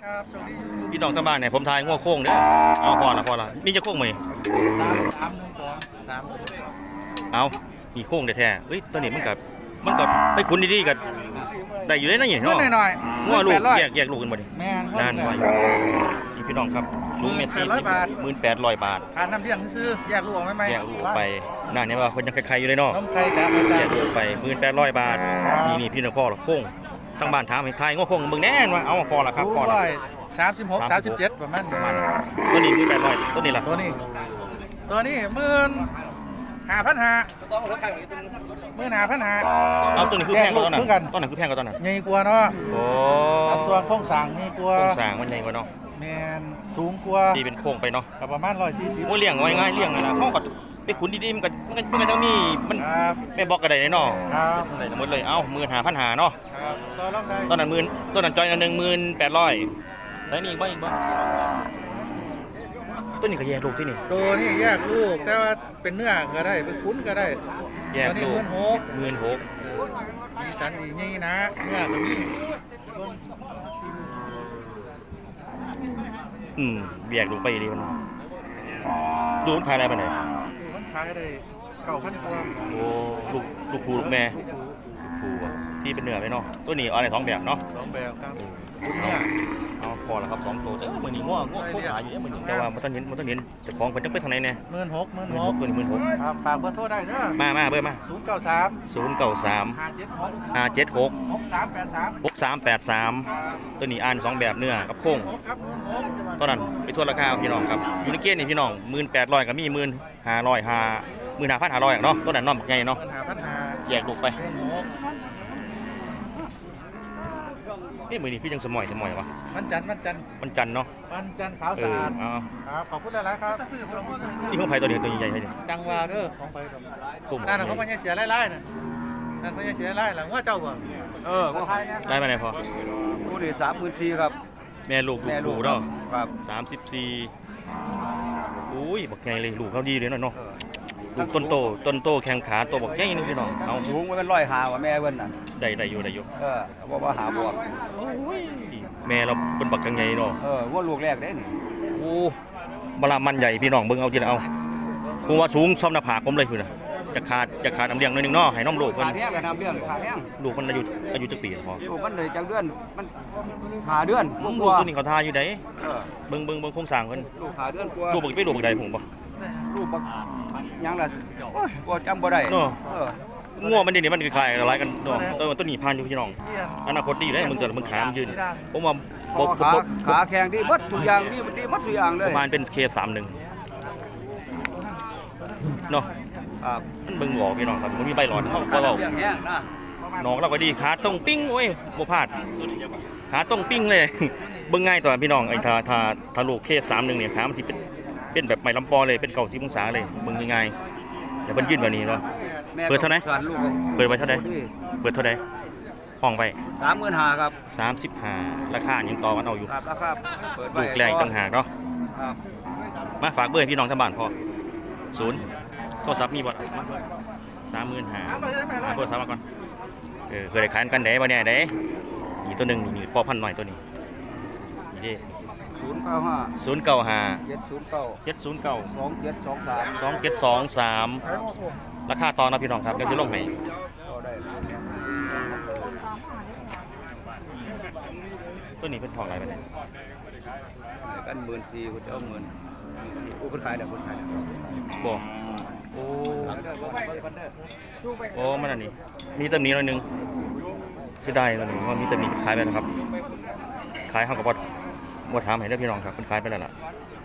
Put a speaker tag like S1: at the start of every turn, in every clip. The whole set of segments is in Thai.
S1: ครับโชคดียูทูบ
S2: พี่น้องทางบ้านเนี่ยผมทายง้อโค้งเด้อเอาพอละมีจะโค้งไหม
S1: 3 1 2
S2: เอามีโค้งแท้ๆเฮ้ยตัวนี้มันกับไปคุ้นดีๆกันได้อยู่ได้นะอย่าง
S1: 3เงินหน่อย
S2: ง้อลูก
S1: 800
S2: แยกลูกกันบ่ดิ
S1: แม่น
S2: นั่นไว้นี่พี่น้องครับสูงเมตร40
S1: 800 บาท
S2: 1800 บาท
S1: ทานน้ำเลี้ยงซื้อแยกลูกออกไหม
S2: แยกลูกไปนั่นเนี่ยว่าเพิ่นยังใครๆอยู่เลยเนาะ
S1: น้ำไข่แต่ไม่
S2: แย
S1: ได้
S2: กลูกไป1800 บาทนี่พี่น้องพ่อละโค้งทั้งบ้านถามให้ทายง้อโค้งเบิ่งแน่นว่าเอาพอละครับพอละ
S1: 36 37ประมาณนี้
S2: ตัวนี้1800ตัวนี้ล่ะ
S1: ตัวนี้15,500
S2: เอาตัวนี้คือแพงกว่าตอนนั้น
S1: แยกลูกคือกัน
S2: ตอนนั้นคือแพงกว่าตอนนั้น
S1: ใหญ่กว่าเนาะ
S2: โอ้
S1: อัส่วนโครงสร้างนี่กว่า
S2: โครงสร้างมันใหญ่กว่าเนาะ
S1: แม่นสูงกว่า
S2: ตีเป็นโค้งไปเนาะ
S1: ก็ประมาณ140
S2: โอ้เลี้ยงไว้ง่ายเลี้ยงนั่นล่ะเฮาก็ไปขุนดีๆมันต้องมีมัน
S1: ครับ
S2: แม่บอกก็ได้เนาะ
S1: ครับ
S2: ได้ทั้งหมดเลยเอ้า15,500เนาะ
S1: ครับต่อรองได้
S2: ตอนนั้นต้นนั้นจอยอัน1800แล้วนี่อีกบ่ต้นนี้ก็แยกลูกที่นี่
S1: ตัวนี้แยกลูกแต่ว่าเป็นเนื้อก็ได้เป็นคุ้นก็ได้
S2: แยก
S1: ตัวนี้
S2: ลูก
S1: 16,000มีสันดีนี่นะเนื้อก็มี
S2: แยกลูกไปดีมันดูมันขายอะไรไปไหน
S1: มันขายได้9,000ตัว
S2: โอ้ลูกครูลูกแม่ครูอะที่เป็นเนื้อไปเนาะตัวนี้เอาอะไร2แบบเนาะ
S1: 2แบบครับเนี่ย
S2: เอาพอแล้วครับ2ตัวแต่มื้อนี้ง้อโคหาอยู่เนี่ยมื้อนี้แต่ว่ามันต้องเห็นแต่ของเพิ่นจังไปทางไหนแน่
S1: 16,000
S2: ตัวนี้16,000
S1: ครับฝากเบอร์โทรได้เด้อ
S2: มาเบอร์มา
S1: 093
S2: 093
S1: 576
S2: 576
S1: 6383
S2: 63ตัวนี้อ่าน2แบบเนื้อกับโค้ง
S1: ครับ16,000
S2: ตอนนั้นไปทั่วราคาพี่น้องครับอยู่ในเกณฑ์นี่พี่น้อง1800ก็มี15,500เนาะตัวนั้นน้องบักใหญ่เนาะ
S1: 15,500
S2: แยกลูกไป
S1: 16,000
S2: นี่มื้อนี้พี่จังสมอยวะ
S1: วันจันทร์
S2: มันจันทร์เนาะ
S1: ขาวสะอาด
S2: เอา
S1: ครับขอบคุณหลายๆครับ
S2: นี่ของไผตัวนี้ตัวใหญ่ๆนี่
S1: จังหวะเด้อของไปครับ
S2: คุ้ม
S1: นั่นน่ะเขาพญาเสียไล่ๆน่ะนั่นพญาเสียไล่หลังว่าเจ้าบ่
S3: ก็
S1: ไทยเนี่ย
S2: ได้มาไหนพอ
S3: ผู้นี่34,000ครับ
S2: แม่ลูก
S3: แม่ลูก
S2: เนาะ
S3: ครับ
S2: 34อุ้ยบักใหญ่เลยลูกเขาดีเลยเนาะลูกต้นโตแข้งขาตัวบักใหญ่นี่พี่น้องเอา
S3: สูงมันเป็น105ว่าแม่เพิ่นน่ะ
S2: ได้อยู่
S3: ว่าหาบวก
S2: แม่เราเป็นบักกังใหญ่เนาะ
S3: ว่าลูกแรกเด้นี่
S2: โอ้บลามันใหญ่พี่น้องเบิ่งเอาทีละเอาผมว่าสูงซ้อมหน้าผากผมเลยคือนะจะขาดน้ำเลี้ยงหน่อยหนึงเนาะให้น้องลูกเพิ่น
S3: ขาแท้งก็ทำเรื่องขาแท้ง
S2: ลูกมันอายุจักปีพอ
S3: ลูกมันเลยจังเดือนมันหาเดือน
S2: ลู
S3: ก
S2: ก
S3: ว่า
S2: ตัวนี้เขาทาอยู่ได
S3: เออ
S2: เบิ่งโครงสร้างเพิ่น
S3: ลูกหาเดือนกว่า
S2: ลูกบ่ไปลูกบักใดผมบ่
S3: ลูกบักยังล่ะโอ้ยบ่จำบ่ได้
S2: เนาะ
S3: เออ
S2: งัวมันนี่มันคล้ายๆอะไรกันเนาะต้นนี้ผ่านอยู่พี่น้อง
S1: เยี่ยม
S2: อนาคตดีเลยมึงขามนยืนผมว่า
S3: ขาแข็งดีหมดทุกอย่างดีหมดทุกอย่างเล
S2: ป
S3: ย
S2: ระมาณเป็นเค31เนาะ
S3: ครับ
S2: มันเบิ่งออกพี่น้องครับมันมีใบหลอดเขาก็เว้า
S3: เรื่องแห้งนะ
S2: น้องเราก็ดีขาตรงปิ้งโอ้ยบ่พลาดขาตรงปิ้งเลย เบิ่งง่ายต่อพี่น้องไอ้ถ้าลูกเค31เนี่ยขามันสิเป็นแบบไม้ลำปอเลยเป็น90องศาเลยเบิ่งง่ายๆแต่เพิ่นยืนแบบนี้เนาะ
S3: แม่
S2: เปิดเท่าไหร่
S3: สอนลูก
S2: เปิดไว้เท่าใดเปิดเท่าใดห้องไว้
S3: 35,000ครับ
S2: 35ราคายังต่อกันเอาอยู่
S3: ครับแล้วครับเปิดไว้
S2: ลูกแรกอีกต่างหากเนาะ
S3: ครับ
S2: มาฝากเบอร์ให้พี่น้องทางบ้านพอ0โทรศัพท์มีบ่ล่ะมา35,000หาโทรศัพท์มาก่อนเคยได้ขายกันได้บ่เนี่ยได้นี่ตัวหนึงนี่พ่อพันธุ์หน่อยตัวนี้นี่เด้
S3: 095
S2: 095
S3: 709
S2: 709
S3: 2723
S2: 2723ราคาต่อนะพี่น้องครับเดี๋ยวจะลงให้
S3: ก็ได้
S2: ตัวนี้เป็นทองอะไรไปเนี่ย
S3: กัน14,000กูจะเอาเงินกูเพิ่นขายเด้อเพิ่นขายเด้อ
S2: บ่โอ้โอ้มันอันนี้มีตำหนิหน่อยหนึงเสียดายตัวนี้ว่ามีตำหนิขายไปแล้วครับขายเฮาก็บ่ถามให้เด้อพี่น้องครับเพิ่นขายไปแล้วล่ะ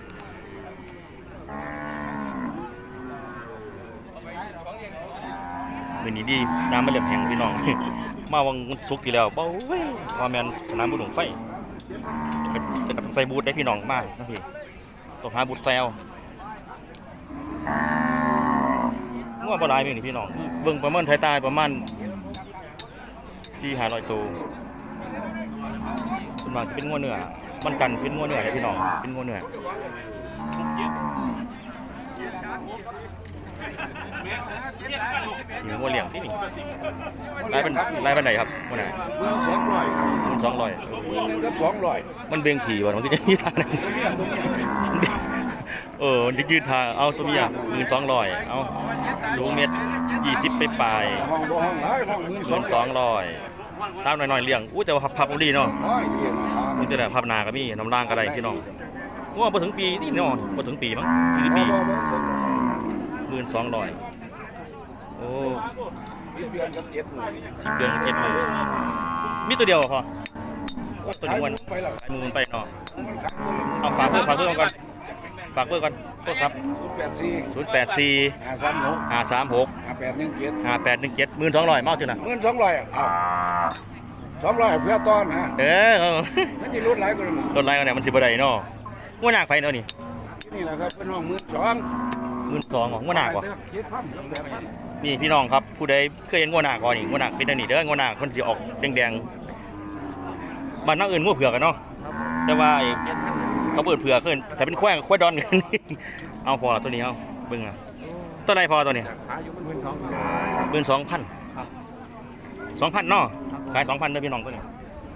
S2: มื้อนี้ดีน้ำมันเริ่มแห้งพี่น้อง มาวังสุกร์ที่แล้วบ่เว้ยว่าแม่นสนามบุญหลวงไฟจะกับใส่บูทได้พี่น้องมากนะพี่ต้องหาบูทแซวงัวบ่หลายนี่พี่น้องเบิ่งประเมินไทยตายประมาณ4-500ตัวส่วนมากจะเป็นงัวเนื้อมันกันเป็นงัวเนื้อเลยพี่น้องเป็นงัวเนื้อนี่งัวเลี้ยงที่นี่รายเป็นไหนครับวันไหน
S3: 1200
S2: 200
S3: 1กับ200
S2: มันเบ่งขี่บ่มันก็จะยืดทางนั้นมันจะยืดทางเอาตัวเมีย1200เอาสูง1.20 ไปปลาย
S3: ห้องบ่ห้องหลายห้อง
S2: 1200สาวน้อยๆเลี้ยงอู้แต่ว่าพับดีเนาะ
S3: น้อยเดียวนะครับ
S2: นี่แต่พับนาก็มีน้ำล่างก็ได้พี่น้องว่าบ่ถึงปีนี่เนาะบ่ถึงปีมั้งปี1200โอ้
S3: 10 เดือนกับ7 มื้อ
S2: 10 เดือน7 มื้อมีตัวเดียวพอตัวนี้วัน
S3: ไปแล้ว
S2: ขายมือมันไปเนาะเอาฝากเบอร์ก่อนโทรศัพท์
S3: 084
S2: 536
S3: 5817
S2: 1200เมาจังน่ะ
S3: 1200อ้าว200เพื่อต้อนฮะ มันสิลดหลายกว่านั้น
S2: รถไล่กันเนี่ยมันสิบ่ได้เนาะงัวหนักไปเนาะนี่
S3: นี่แหละครับเป็นห้อง
S2: 12,000ของงัวหนักว่ะนี่พี่น้องครับผู้ใดเคยเห็นงัวหนักก่อนนี่งัวหนักเป็นอันนี้เด้องัวหนักเพิ่นสิออกแดงๆบ้านนอกอื่นงัวเผือกกันเนาะแต่ว่าไอ้เขาเปิดเผือกขึ้นแต่เป็นควายดอนกัน เอาพอละตัวนี้เอาเบิ่งอ่ะตัวไหนพอตัวนี้ 12,000 2,000เนาะขาย 2,000เด้อพี่น้องตัวนี้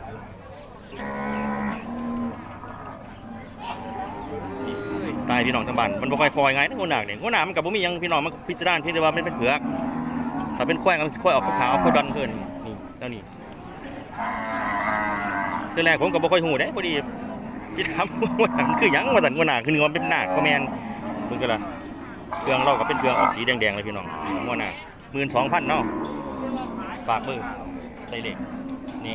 S2: ตายพี่น้องทั้งบ้านมันบ่ค่อยพอยังไงนะงัวหนักเนี่ยงัวหนักมันก็บ่มีหยังพี่น้องมันพิจารณาเพียงแต่ว่ามันเป็นเผือกถ้าเป็นควายมันควายออกขาวๆควายดอนเกินนี่แล้วนี่ตัวแรกผมก็บ่ค่อยฮู้เด้พอดีพี่ถามว่าหนังคือหยังว่าซั่นงัวหนักคือมันเป็นหนักก็แม่นเพิ่นก็ล่ะเครื่องเราก็เป็นเครื่องออกสีแดงๆเลยพี่น้องงัวหนัก 12,000เนาะฝากเบอร์ใส่เลขนี่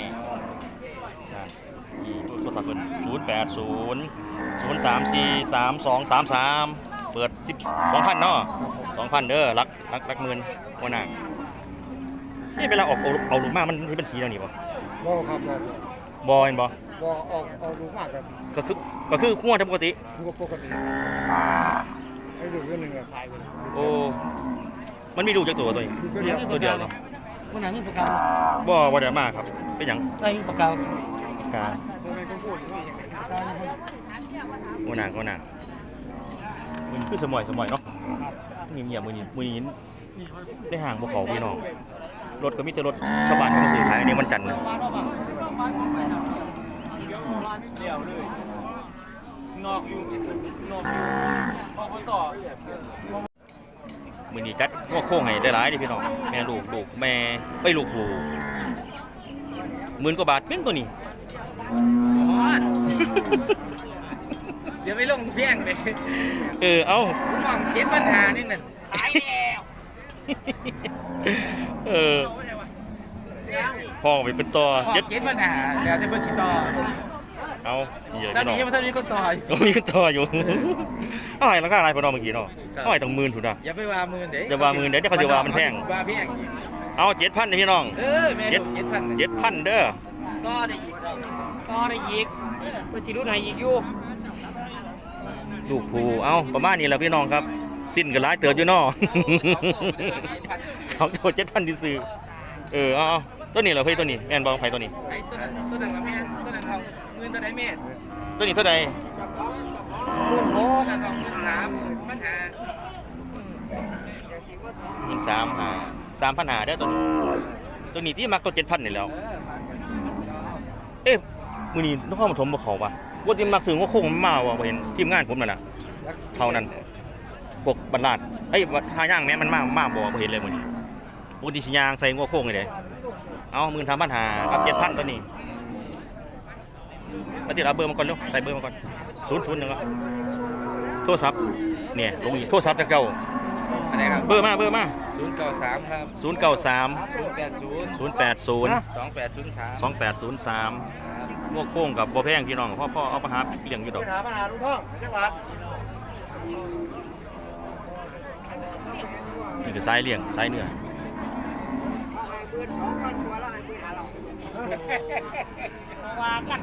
S2: โทรศัพท์เพิ่น080 034 3233เปิด12,000เนาะ 2,000เด้อรักหมื่นงัวหนักนี่เวลาออกเอาลูกมามันสิเป็นสีแล้วนี่บ่
S4: บ่ครับบ่
S2: เห็นบ่
S4: บ่เอาลูกมากครับ
S2: ก็คืองัวปกติ
S4: ลูกปกติไอ้ลูกเรื่องนึงขายไป
S2: โอ้มันมีลูกจักตัวนี้ตัวเดียวเนาะ
S4: คนนั้นมีประกา
S2: บ่ได้มากครับเป็นหยัง
S4: ได้ประกา
S2: กา
S4: บ่แม่นคนพูดว่าได้
S2: งัวหนักมันคือสมอยเนาะเงียบๆมื้อนี้ได้ห่างบ่เขาพี่น้องรถก็มีแต่รถชาวบ้านเขามาซื้อขายอันนี้วันจันทร์นะมื้อนี้จัดงัวโค้งให้ได้หลายเด้พี่น้องแม่ลูกแม่ไปลูกผู้10,000 กว่าบาทเพียงตัวนี้
S5: เดี๋ยวไปลงเพียงเลย
S2: เอ้า
S5: ผมมองเจ็ดปัญหานี่นั่นหายแล้ว
S2: พ่อไปเป็นต่อ
S5: เจ็ดปัญหาแล้วจะเบอร์ชิต่อ
S2: เอาเยอะ
S5: ตอน
S2: พี่น้อง
S5: นี้ยังไม่ทันมีคนต่ออยู่
S2: ก็มีต่ออยู่เอาให้ราคาอะไรพอน้องเมื่อกี้เนาะเอาให้ต้อง10,000ถูกป่ะ
S5: อย่าไปว่ามือเด็ก
S2: อย่าว่ามือเดี๋ยวเขาจะว่ามันแพง
S5: ว่าแพง
S2: เอา 7,000นี่พี่น้อง
S5: แม่ลูก7,000
S2: 7,000เด้อ
S5: ก็ได้อีก
S6: เพื่อชีรุ่นไหนอีกอยู่
S2: ลูกผู้เอาประมาณนี้แหละพี่น้องครับสิ้นก็หลายเติบอยู่เนาะ 2 ตัว7,000ที่ซื้อเอาตัวนี้เหรอเฮ้ยตัวนี้แม่นบ่ไผตัวนี้
S5: ไอ้ตัวนั้นกับแม่ตัวนั้นทองเงินตัวไหนแม่
S2: ตัวนี้เท่าใด
S5: รุ่นโหนั่นทอง13ปัญหา
S2: 3,500เด้อตัวนี้ที่มักตัว 7,000นี่แล้วมื้อนี้นครปฐมบ่เข้าป่ะว่าที่มักซื้องัวโค้งมันมาบ่เห็นทีมงานผมนั่นน่ะเท่านั้นพวกบัดลาดทาย่างแม่มันมาบ่เห็นเลยมื้อนี้ปกติสิย่างใส่งัวโค้งนี่เด้เอา 13,500กับ 7,000 ตัวนี้แล้วติดเอาเบอร์มาก่อนเร็วใส่เบอร์มาก่อน00นึงอ่ะโทรศัพท์เนี่ยลงอีกโทรศัพท์จากเจ้า
S5: อะไรครับ
S2: เบอร์มา
S5: 093ครับ
S2: 093
S5: 080
S2: 080
S5: 2803
S2: 2803งวกโค้งกับบ่แพงพี่น้องพ่อเอามาหาเลี้ยงอยู่ดอก
S4: ปัญหาลุงพ่องจังหวัด
S2: นี่คือสายเลี้ยงสายเนื้อ
S6: ว่ากัน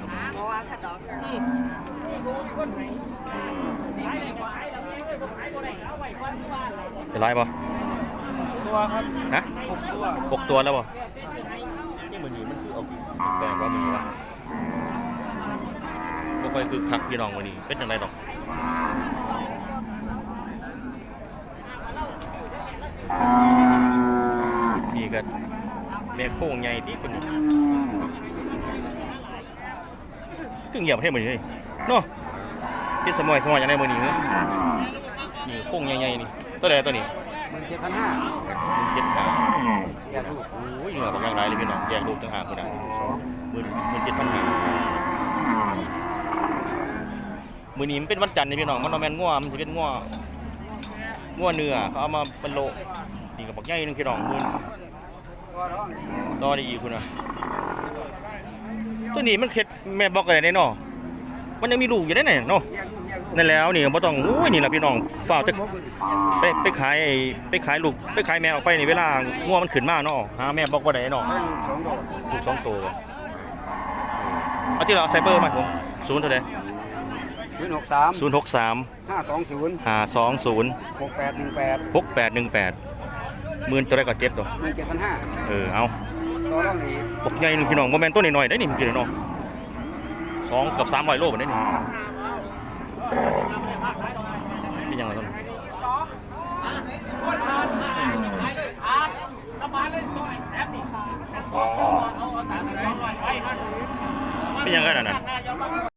S2: เป็นไรบ่
S5: ตัวครับ
S2: ฮะ
S5: 6 ตัว
S2: 6 ตัวแล้วบ่นี่มื้อนี้มันคือเอาแปลงว่ามื้อนี้วะบ่ค่อยคึกคักพี่น้องมื้อนี้เป็นจังไดดอกนี่ก็แม่โค้งใหญ่ที่คนนี้ก็เงียบให้หมดเลยเนาะเป็นสมอยอย่างไรมือนี้เหรอนี่โค้งใหญ่ๆนี่ตัวใดตัวนี้
S5: 17,500
S2: 17,500
S5: แยกลูก
S2: โอ้ยเหงื่อบอกอย่างไรเลยพี่น้องแยกลูกต่างหากคนนั้น17,500มือนี้มันเป็นวันจันทร์นี่พี่น้องมันนอแมนง่วมันจะเป็นง่วเนื้อเขาเอามาเป็นโลนี่กับบอกใหญ่นึงพี่น้องมือต่อได้อีกคุณนะตัวนี้มันเข็ดแม่บอกอะไรได้เนาะมันยังมีลูกอยู่ได้ไหนเนาะนั่นแล้วนี่บ่ต้องโอ้ยนี่แหละพี่น้องฝ้าวจะไปขายลูกไปขายแม่ออกไปนี่เวลาง่วมันขึ้นมาเนาะหาแม่บอกบ่ได้เนาะลูก2ตัวเอาที่เราไซเบอร์มาผม0เท่าใด063 520 6818มื่นตัวได้ก็เจ็บตัวเอา บอกใหญ่หนึ่งพี่น้องโมเมนต์ตัวหน่อยๆได้นี่มันกี่เนาะ2 กับ 300 โลแบบนี้นี่เป็นยังไงต้นเป็นยังไงน่ะ